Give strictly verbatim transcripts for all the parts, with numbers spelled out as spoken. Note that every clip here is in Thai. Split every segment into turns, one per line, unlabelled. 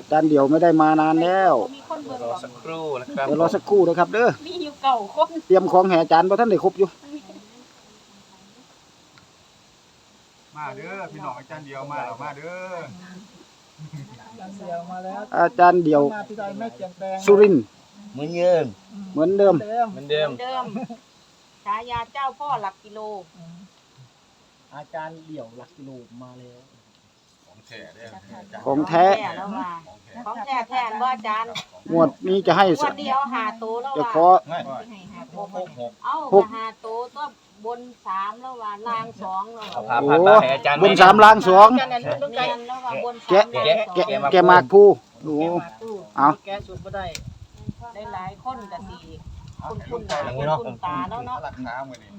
อาจารย์เดี่ยวไม่ได้มานานแล้ว
รอสักครู่นะครับ
เดี๋ยวรอสักครู่นะครับเด้อ
มีอยู่เก่าคน
เตรียมของแห่อาจารย์เพราะท่านได้ครบอยู่
มาเด้อพี่น้องอาจารย์เดียวมาแล้วมาเด้อ
อาจารย์เดี่ยวสุรินทร์
เหมือนเดิม
เหมือนเดิม
เหมือนเดิม
เดิมฉายาเจ้าพ่อหลักกิโล
อาจารย์เดี่ยวหลักกิโลมาแล้ว
ของแท้เด้อ
ของแท้
แล้วว่าของแท้แทนว่าอาจารย์
งวดนี้จะให้
วันเดียวหาโตแล้ว
จะ
ว่า
ขอ
เอาหาโตก็บนสามแล้วว่าล่างสองแล้วว่า
โอ้บนสามล่างสองแกะแกะแกะแกะมากผู้โอ้เอา
แกสุดก็ได้
ได้หลายคนกะสีคุณคุณตาคุณตาแล้วเนาะ
หลักขามือนี่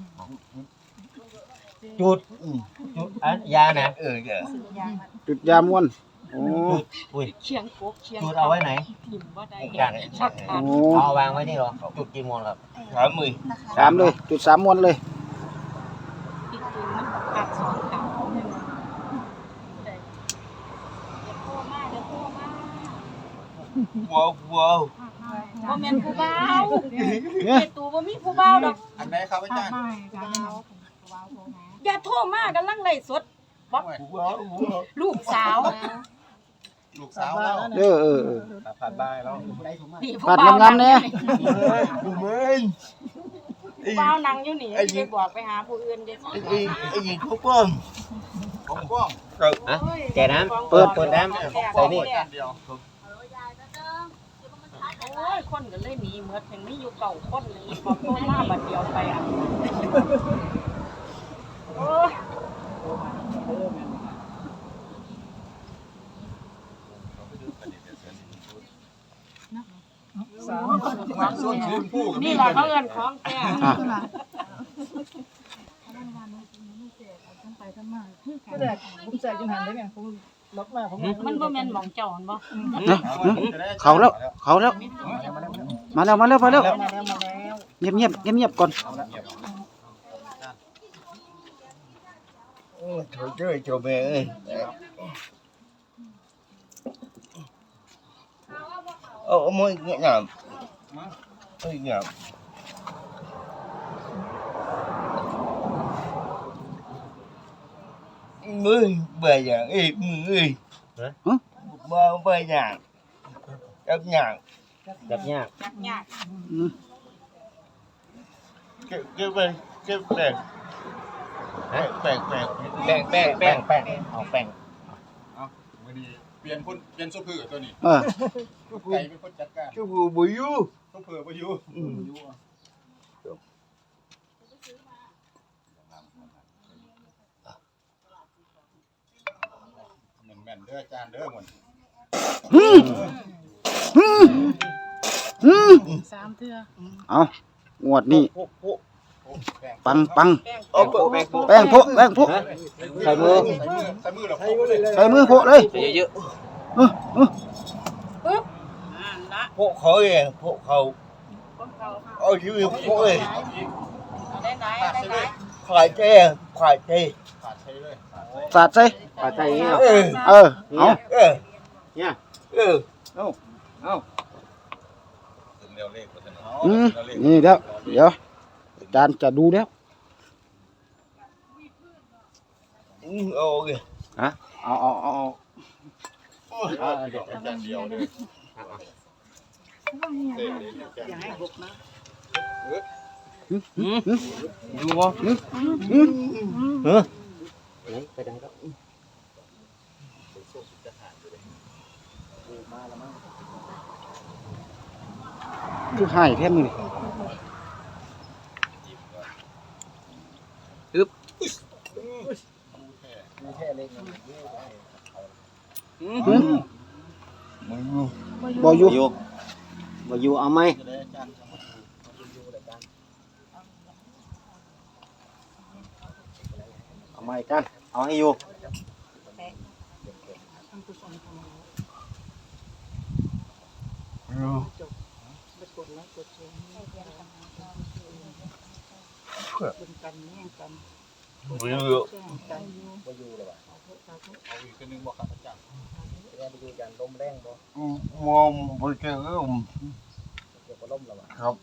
จุดจุดอันยานะเออเออ
จุดยาม้วนโอ้
อุ้ย
เชียงโคกเชียง
จุดเอาไว้ไหน
ถิ่มว่าได้
กัน
โอ้
เอาวางไว้นี่หรอจุดกี่โมงครับสามหมื่น
สามเลยจุดสามม้วนเลย
ที่จริงมันตัดสองขา
ว้าวว้าว
บ่แม่นผู้บ่าวเฮ็ดตูบ่มีผู้บ่าวดอก
อันไหนครับอาจารย์
อย่าโทรมากํลังไลฟ์สดบ่ลูกสาว
ลูกสาวแล้ว
เออเออ
ผ่านได้แล้ว
ผ่านงามๆแน่
กูเบิ้ง
ผู้บ่าวนั่งอยู่นี่ไปบอกไปหาผู้อื่นเด้อ
ไอ้ไอ้ยิงเขาป้อม
ของกว้าง
ฮะแกน้ำเปิดเปิดน้ำใส่นี่
โอ้ยคนก็เลยหนีหมดแห่งนี้อยู่เก่าคนนี้บอกโทรมาบัดเดียวไปอ่ะโอ้ยนี่แหละเขาเอิ้นของแท้
ก็ได้ผมใส่กินหันได้ไงผมล็อกมาผม
มันบ่แม่นหม่องเจ้าหั่นบ่
เขาแล้วเขาแล้วมาแล้วมาแล้วมาแล้ว
มาแล้วมาแล้ว
เงียบเงียบเงียบเงียบก่อน
โอ้โถเจ้ยโถแม่เอ้ยโอ้มวยเงี้ยงามเอ้ยงามมือเบื่ออย่างเอ้ยมือเอ้ยบ่เบื่ออย่างจับอย่างจับอย่าง
จับยาก
เก็บเก็บไปเก็บแป้งแป้งแป้ง
แป้งแป้งแป้งแป้ง
เอาแป้ง
เอาวันนี้เปลี่ยนคนเปลี่ยนซุปเปอร์ตัวนี้
เออ
ไก่เป็นคนจัดการ
ซุปเปอร์บ่อยู่
ซุปเปอร์บ่อยู่แม่นเด้ออาจารย์เด้อหมด
สามเทื่อ
เอางวดนี้ปังปัง
แป้ง
แป้งโพแป้งโพ
ใส่มือ
ใส่มือหรอ
ใส่มือโพเลย
เยอะ
ๆปึ๊บ
ปึ๊บอ่าละ
โพเขาเองโพเขาเอาชีวิตโพเอง
ได้ไหนได้ไหน
ขายเจ้ขายเจ้
ขาดใช้เลย
สาดใส่
ขายเจ้
เออเออเอา
เออเนี่ยเออ
เอาเอา
ถึงเร็วเลขก็จะเนาะ
อืมนี่เดี๋ยวเดี๋ยวอาจารย์จะดูแล้ว
อืมโอเค
ฮะเอาเอาเอาเอา
เดี๋ยวอาจารย์เดียวเลย
อย่าให้หกนะ
ดูวะเออ
ไปดังครับ
คือหายแท้มือ
อึ๊บ
บอยู่
บอยู่เอาไหมเอาไหมกันเอาให้อยู่บ่อยู่บ่อยู่เลยว่ะเอาอีกนึงบ่ครับอาจารย์มองไปเจอครับ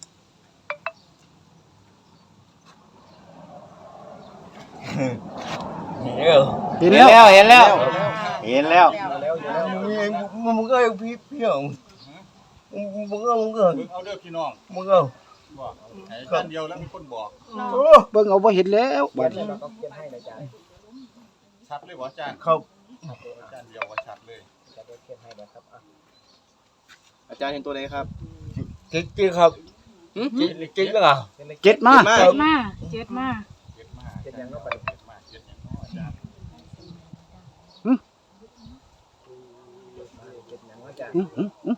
เห็นแล้ว
เห็นแล้วเห็นแล้วเห็นแล้ว
มึงก็พี่พี่อ่ะมึงก็มึงก็
เอาเด้อพี่น้อง
มึงก็
บอกให้ท่านเดียวแล้วมีคนบอก
เบิ่งเอาบ่เห็นแล้วบัดนี้
ชัดเลยบ่อาจารย์
ครับ
อาจารย์เดียวว่าชัดเลย
อาจารย์เห็นตัวไหนครับ
จิ๊กจิ๊กครับจิ๊กจิ๊กเหรอ
เจ็ดมา
เจ็ดมาเจ็ดมา
เจ็ดมาเจ็ดยังก็ไปเจ็ดมาเจ็ดยังก็อาจารย์
อื้อหืออื้อ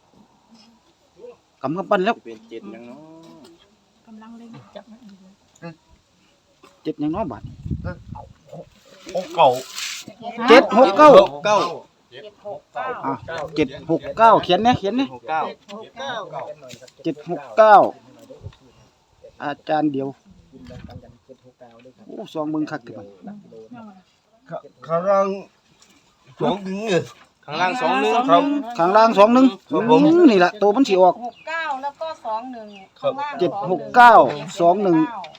กำกับปั้นแล้ว
เป็นเจ็ดยังเนาะ
กำลังเล่นจับ
เจ็ดยังน้อยบาท
โอ้เก่า
เจ็ดหกเก้า
เก้า
เจ็ดหกเก้า
อ่ะเจ็ดหกเก้าเขียนเนี่ยเขียนเนี่ย
หกเก้า
หกเก้าเก้า
เจ็ดหกเก้าอาจารย์เดียวโอ้ซองมึงคักถึง
ข้างล่างสองถึงเนี่ย
ข้างล่างสองหนึ่ง
ครับ
ข้างล่างสองหนึ่ง
ครับผม
อืมนี่แหละตัวมันสีออก
หกเก้าแล้วก็สองหนึ่งข้างล่าง
เจ็ดหกเก้าสองหนึ่ง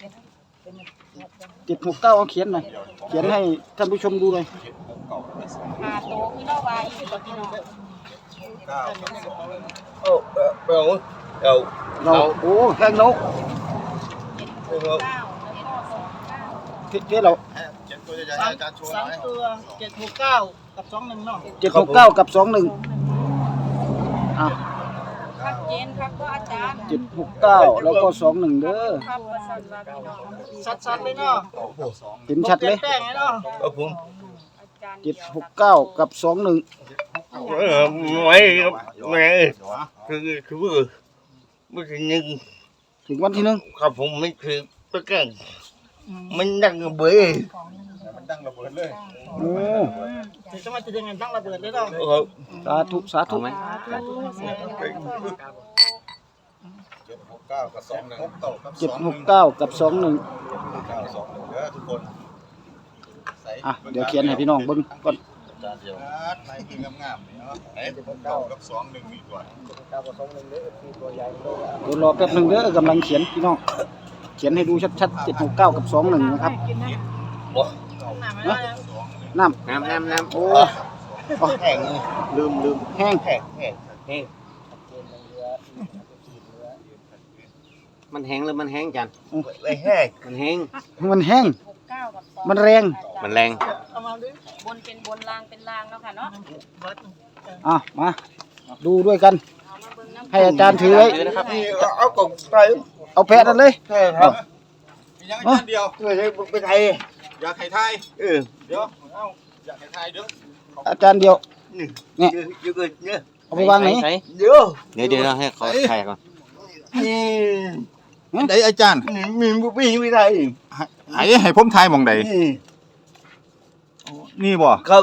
เจ็ดหกเก้าเอาเขียนหน่อยเขียนให้ท่านผู้ชมดูเลย
หาโตคือเราไว้ที่ตัวพี่น้อง
เก้า
เอาเอาเอา
เราโอ้แพงนก
เจ็ดหกเก้าแล้วก็สองเก้า
เทเรา
เจ็ดตัวใหญ่ๆอาจารย์โชว์ห
สา
น่
ม
อย
ตัวเจ็ดหกเก้ากับสองหนึ่งเนาะ
เจ็ดหกเก้ากับสองหนึ่งอ่ะ
ชัดเจนครับก็อาจารย์
เจ็ดหกเก้าแล้วก็สองหนึ่งเด้อ
ครับประสันว่าพี่น้อง
ชัดๆเลยเนาะ
เห็นชัดเลย
แป้งเลยเนาะ
เอาผม
อาจารย์
เจ็ดหกเก้ากับสองหนึ่ง
เออไม่ครับไม่คือคือไม่ถึงหนึ่ง
ถึงวันที่หนึ่ง
ครับผมไม่คือตะแกรงมันดังเบื่อ
มันดังระเบิดเลย
โอ้
ถึงจะมาจะยังไงตั้งระเบิดเลยเนาะ
ครับ
สาธุสาธุ
เจ็ดหกเก้ากับสองหนึ่งหกเก้ากับ
เจ็ดหกเก้ากับสองหนึ่ง
เก้าสองหนึ่งเด้อทุกคนใส่
อ่ะเดี๋ยวเขียนให้พี่น้องเบิ่งก่อน
อาจารย์เดียวลายคืองามๆนี่เนาะไหนเจ็ดหกเก้ากับสองหนึ่งนี่ก่อน
เดี๋ยวรอแป๊บหนึ่งเด้อกำลังเขียนพี่น้องเขียนให้ดูชัดๆเจ็ดหกเก้ากับสองหนึ่งนะครับ
กินนะ
บ่
น้ำไม่ได้
น้
น้ำน้ำน้ำ
ำโอ้
แห้ง
ลืมลืมแห้ง
แห้งแห้งแห้ง
มันแห้งหรือมันแห้งจัน
ไม่แห้ง
มันแห้ง
มันแห้ง
หกเก้ากับสอง
มันแรง
มันแรง
เอามาดิ
บนเป็นบนล่างเป็นล่างแล้วค่ะเนาะ
อ่ะมาดูด้วยกัน
เอามาเบิ่งน้ำ
ให้อาจารย์ถือไว้
นี่เอากล่องไป
เอาแพะนั่นเลย
ใช่ครับ
มียังอาจารย์เดียว
เพื่อให้ไปไทย
อยากไข่ไทย
เออ
เดี๋ยวเอ้าอยากไข่ไทยเดี๋ยว
อาจารย์เดียว
นี่
เนี่ย
เยอะเยอะเนี่ย
เอาไปวางไหน
ใส่
เดี๋ยว
เดี๋ยวเดี๋ยวให้เขาถ่ายก่อน
นี่
ไหนอาจารย์
นี่มีบุปผีไม่ได้
ให้ให้ผมทายมองใด
นี่
นี่บ่
ครับ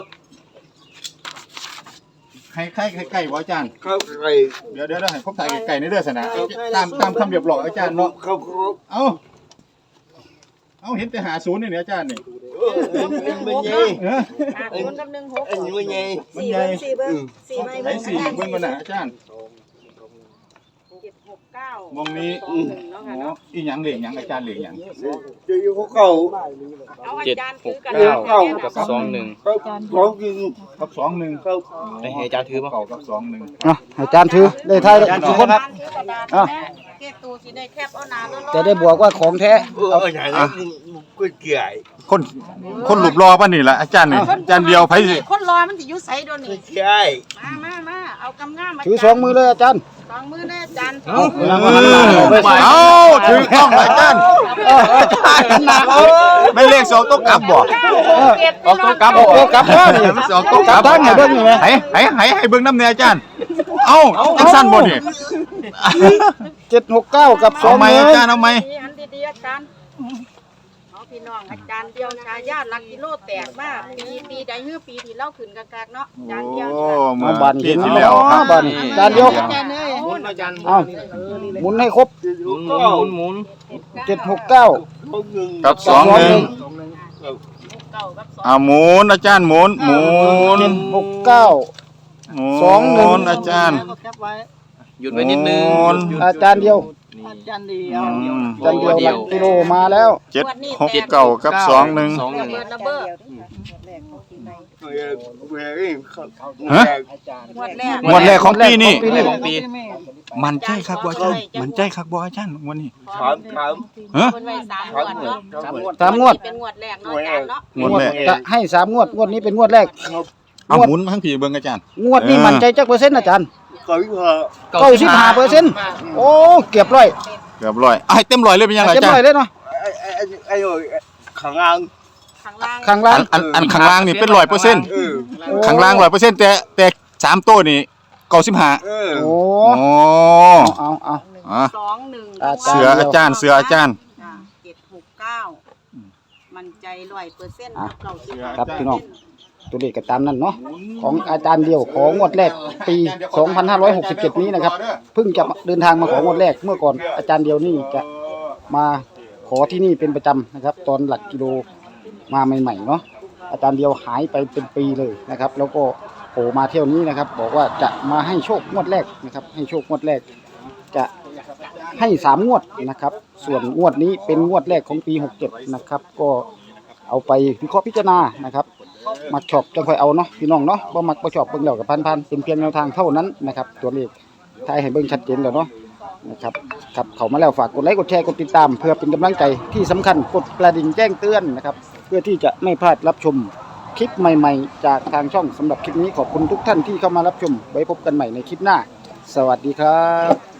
ให้ไข่ไข่ไก่บ่อาจารย์
ครับไร
เดี๋ยวเดี๋ยวเดี๋ยวให้ผมถ่ายไก่ในเด้อสนะตามตามคำเรียบร้อยอาจารย์เนาะ
ครับครับ
เอ้าเอ้าเห็นแต่หาศูนย์นี่เนี่ยอาจารย์นี่
เออมันมันใหญ่
เออ
อ่ะคนกับหนึ่งหก
อันนี้มันใหญ่
มันใหญ่
สี่เบิ้ง
อืม
สี่ใบ
ไหนสี่เบิ่งมันน่ะอาจารย์
เจ็ดหกเก้าม
องนี้
สองหนึ่งเนาะ
อ๋
ค่ะ
อ
เนาะ
อีหยังเหลียงหยังอาจารย์เหลียงหยัง
เจะอยู่เขา
เอาอา
เจ็ด
จารย์
ห
ถือก กัน
เก้า
นะ
กับสองหนึ่ง
เขาเขากิน
กับสองหนึ่ง
เขา
ไปให้อาจารย์ถือป่ะ
เก่ากับสองหนึ่ง
อ่ะอาจารย์ถือได้ทายทุกคน
อาจารย์ถือกระดาษ
อ่ะ
แม่เก็บตูสิได้แคบเอาหนาแล้ว
จะได้บอกว่าของแท้
เอออย่างนั้นก็เกลี่ย
คนคนหลุบรอป่ะนี่แหละอาจารย์นี่อาจารย์เดียวไผสิ
คนรอมันสิอยู่ไสโดนนี่
ใช่
มามามาเอากำง่ามมา
ถือสองมือเลยอาจารย์
สองมือแน่อาจารย์
เอาเวลามาหันหลังเอาไป
เอ้าถือกล้องอาจารย์ไม่เลขสองต้องกลับบ่
เก็บ
ออกตัวกลับบ่
โอ้กลับแล้วนี่
มันสองตัวกลับ
ตั้งให้เบิ่งนี่ไหม
ให้ให้ให้ให้เบิ่งน้ำเนี่ยอาจารย์เอ้าจังสั้นบ่นี่
เจ็ดหกเก้ากับสอ
เอา
ง
ไหม
หนึ่ง
อาจารย์เอาไหม
ดีอันดีๆอาจารย์เอาพี่น้องอาจารย์เดียวชายาลักกิโลแตกมากปีปีใดฮื้อปีที่เล่าขึ้นกากๆเนาะอาจารย์เดียว
โอ้
นี่ค่ะ
มา
บาน
ปี
เห็น
ที่
แล้
แล้ว วครับ
บานอาจารย์เดียว
อาจารย์เลย
หมุนอาจารย์
เอาหมุนให้ครบ
หมุนหมุนหมุน
เจ็ดหกเก้า
เขาหนึ่ง
กับสองหนึ่ง
เก้ากับสอง
อ่าหมุนอาจารย์หมุนหมุน
เจ็ดหกเก้าสองหนึ่ง
อาจารย์
หยุดไว้นิดนึง
โอ้
หยุดหยุด
อาจารย์เดียว
นี่
อาจารย์เดียวหลักกิโลมาแล้ว
เจ็ดหกเก้ากับสองหนึ่ง
สองหนึ่ง
เบิดระเบิด
ฮะ
งวดแรก
งวดแรกของปีนี้
ปีนี้
ของปี
มันใจคักบ่อาจารย์มันใจคักบ่อาจารย์วันนี้
ถามถาม
ฮะ
เพิ่นไว้สามงวดเนาะ
ถามหมด
สามงวด
เป็นงวดแรกเนาะอาจารย์เนาะ
งวดแรก
จะให้สามงวดงวดนี้เป็นงวดแรก
เอาหมุนมาทั้งผีเบิ่งอาจารย์
งวดนี้
เออ
มั่นใจจักเปอร์เซ็นต์อาจารย์
เขาอีกเหรอ
เก้าสิบห้าเปอร์เซ็นต์โอ้เก็บร้อย
เกือบร้อยเอาให้เต็มร้อยเลยเป็นยังไง
เก็บ
อาจาร
ร้อย
ย์
เลยเนาะ
ไอ้ไอ้ไอ้ไอ้โอ้ยข้างล่าง
ข้างล่าง
ข้างล่า
อั
ง
นอันอันข้างล่างนี่เป็นร้อยเปอร์เซ็นต์
เออ
ข้างล่างร้อยเปอร์เซ็นต์แต่แต่สามโต้นี่เก้าสิบห้า
เออ
โอ้
โอ้
เอาเอา
อ่ะ
สองหนึ่ง
อาจารย์
เสืออาจารย์เสืออาจารย์
เจ็ดหกเก้ามันใจร้อยเปอร์เซ็นต์เก้าสิบ
ครับพี่น้องตัวเลขก็ตามนั้นเนาะของอาจารย์เดียวของงวดแรกปีสองพันห้าร้อยหกสิบเจ็ดนี้นะครับเพิ่งจะเดินทางมาของงวดแรกเมื่อก่อนอาจารย์เดียวนี่จะมาขอที่นี่เป็นประจำนะครับ ตอนหลักกิโลมาใหม่ๆเนาะอาจารย์เดียวหายไปเป็นปีเลยนะครับ แล้วก็โผล่มาเที่ยวนี้นะครับ บอกว่าจะมาให้โชคงวดแรกนะครับ ให้โชคงวดแรกจะให้สามงวดนะครับ ส่วนงวดนี้เป็นงวดแรกของปีหกเจ็ดนะครับ ก็เอาไปวิเคราะห์พิจารณานะครับ มักชอบจังค่อยเอาเนาะพี่น้องเนาะบ่มักบ่ชอบเบิ่งแล้วกับพันๆเป็นเพียงแนวทางเท่านั้นนะครับ ตัวเลขทายให้เบิ่งชัดเจนแล้วเนาะนะครับครับเข้ามาแล้วฝากกดไลค์กดแชร์กดติดตาม เพื่อเป็นกำลังใจที่สำคัญกดกระดิ่งแจ้งเตือนนะครับ เพื่อที่จะไม่พลาดรับชมคลิปใหม่ๆ จากทางช่องสำหรับคลิปนี้ขอบคุณทุกท่านที่เข้ามารับชมไว้พบกันใหม่ในคลิปหน้า สวัสดีครับ